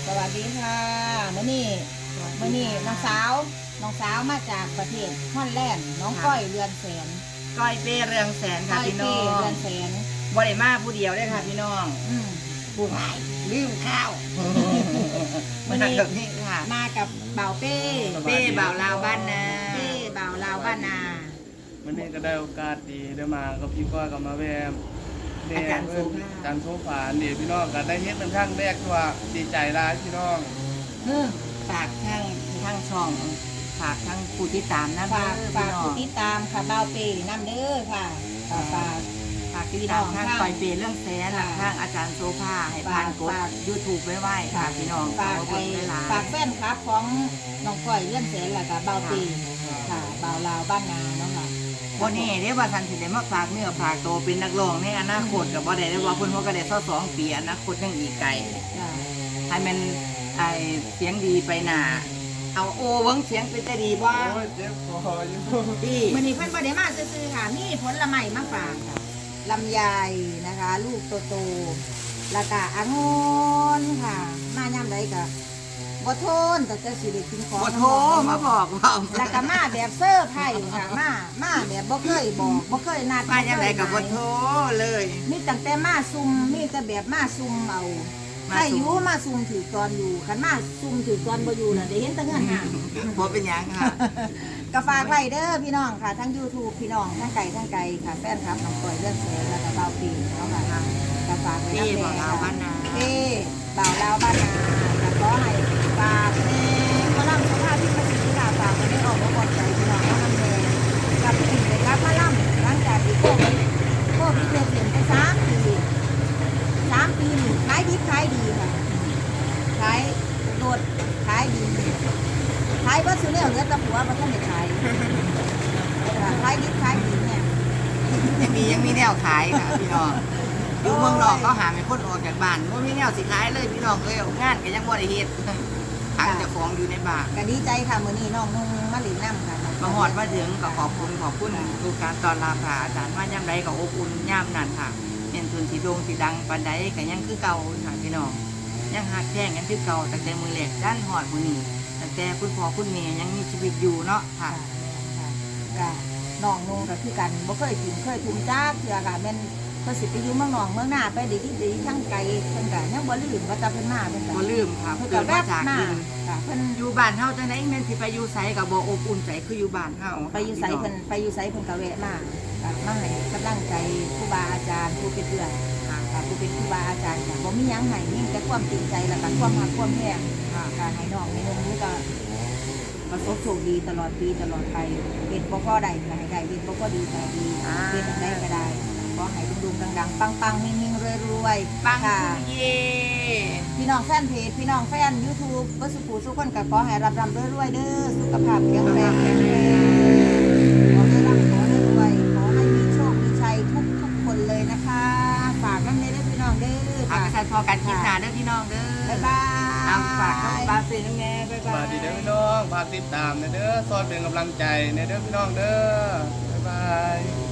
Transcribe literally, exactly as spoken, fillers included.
สวัสดีค่ะมื่อนี้มื่อนี้น้องสาวน้องสาวมาจากประเทศฮอลแลนด์น้องก้อยเรือนแสนก้อยเป้เรืองแสนค่ะพี่น้องเรือนแสนบริมาผู้เดียวได้ค่ะพี่น้องผู้ชายลืมข้าวมื่อนี้แบบนี้ค่ะมากับเบาเป้เป้บ่าวลาวบ้านนาเป้บ่าวลาวบ้านนาวันนี้ก็ได้โอกาสดีได้มากับพี่ก้อยกับมาแวมอาจารย์โซฟาอาจารย์โซฟาดีพี่น้องก็ได้เฮ็ดเป็นครั้งแรกว่าดีใจร้ายพี่น้องฝากทั้งทั้งช่องฝากทั้งผู้ติดตามนะฝากฝากผู้ติดตามค่ะเบาเป้น้ำเด้อค่ะฝากฝากติดตามทางก้อยเป้เรื่องแสนทางอาจารย์โซฟาให้ผ่านกด ยูทูบ ไว้ไว้ค่ะพี่น้องฝากฝากแฟนคลับของน้องก้อยเรื่องแสนแหละค่ะเบาเป้ค่ะเบาลาวบ้านนาเนาะค่ะวันนี้เรียกว่าทันทีได้มาฝากเนื้อฝากโตเป็นนักร้องในอนาคตกับบ่ได้ได้ว่าเพิ่นเขาก็ได้เท่าสองปีอนาคตยังอีกไกลให้มันไอเสียงดีไปหน้าเอาโอเบิ้งเสียงเป็นจะดีบ่โอ้ยเจ็บคออยู่ดีมื้อนี้เพิ่นบ่ได้มาซื่อๆค่ะมีผลไม้มาฝากค่ะลำไยนะคะลูกโตๆแล้วก็องุ่นค่ะมายามใดก็บ่โทนแต่จะสิได้กินของบ่โทมาบอกว่าแล้วก็มาแบบเซอร์ไพรส์ค่ะมามาแบบบ่เคยบอกบ่เคยนัดมาจังได๋ก็บ่โทเลยมีตั้งแต่มาซุ่มมีแต่แบบมาซุ่มเอาถ้าอยู่มาซุ่มถือตอนอยู่คันมาซุ่มถือตอนบ่อยู่น่ะได้เห็นแต่เงินห่างบ่เป็นหยังค่ะก็ฝากไว้เด้อพี่น้องค่ะทั้ง YouTube พี่น้องทั้งไกลทั้งไกลค่ะแฟนคลับน้องก้อยเรื่องแสนแล้วก็เบาปีเนาะค่ะก็ฝากไว้นำแม่ค่ะเอ้บ่าวลาวบ้านนาก็ขอให้ฝากแม่มาล่ำสภาพที่มันสิค่ะฝากให้ออกมาบ่ใจพี่น้องเอานำแม่กับพี่เลยครับมาล่ำหลังจากที่โควิดโควิดเปลี่ยนไปสามปีสามปีนี่ขายดีขายดีค่ะขายโดดขายดีขายวัตถุเนี่ยเหลือแต่หัวมันก็ไม่ขายขายดีขายดีเนี่ยยังมียังมีแนวขายค่ะพี่น้องอยู่เมืองนอกเขาหาไม่คนออกจากบ้านว่ามีแนวสิขายเลยพี่น้องเอ้ยงานก็ยังบ่ได้เฮ็ดทางเจ้าของอยู่ในบ้านก็ดีใจค่ะมื้อนี้น้องนุ่งมาหลินน้ำค่ะมาฮอดมาถึงก็ขอบคุณขอบคุณทุกการต้อนรับค่ะอาจารย์ว่ายามใดก็อบอุ่นยามนั้นค่ะเป็นทุนสีดงสีดังปานใดก็ยังคือเก่าค่ะพี่น้องยังหักแท่งกันคือเก่าตั้งแต่มื้อแรกด้านฮอดมื้อนี้ตั้งแต่คุณพ่อคุณแม่ยังมีชีวิตอยู่เนาะค่ะค่ะน้องนุ่งก็คือกันบ่เคยกินเคยทุ่มจ้าเถื่อค่ะแม่นเพิ่นสิไปอยู่เมืองนอกเมืองหน้าไปดีที่ดีทั้งไกลเพิ่นก็ยังบ่ลืมว่าจะเพิ่นมาเพิ่นก็บ่ลืมค่ะเกิดมาจากดินค่ะเพิ่นอยู่บ้านเฮาจังได๋แม่นสิไปอยู่ไสก็บ่อบอุ่นใจคืออยู่บ้านเฮาไปอยู่ไสเพิ่นไปอยู่ไสเพิ่นก็แวะมาก็มาให้กำลังใจครูบาอาจารย์ผู้เป็นเพื่อนค่ะผู้เป็นครูบาอาจารย์ค่ะบ่มีหยังให้มีแต่ความจริงใจแล้วก็ความรักความแพงค่ะให้น้องในนุ่งนี้ก็ประสบโชคดีตลอดปีตลอดไปเป็นบ่พอใดก็ให้ได้เป็นบ่พอดีก็ดีเป็นได้ก็ได้ขอให้ดุงๆดังๆปังๆมิ่งๆรวยๆปังค่ะเย่พี่น้องแฟนเพจพี่น้องแฟน YouTube บ่สุขสุขคนก็ขอให้ร่ำๆรวยๆเด้อสุขภาพแข็งแรงแข็งแรงขอให้ร่ำขอให้รวยขอให้มีโชคมีชัยทุกๆคนเลยนะคะฝากกันเลยเด้อพี่น้องเด้อฝากกันพอกันคลิปหน้าเด้อพี่น้องเด้อบ๊ายบายเอาฝากกับปาเต้นแม่บ๊ายบายสวัสดีเด้อพี่น้องฝากติดตามเด้อซอยเป็นกำลังใจเด้อพี่น้องเด้อบ๊ายบาย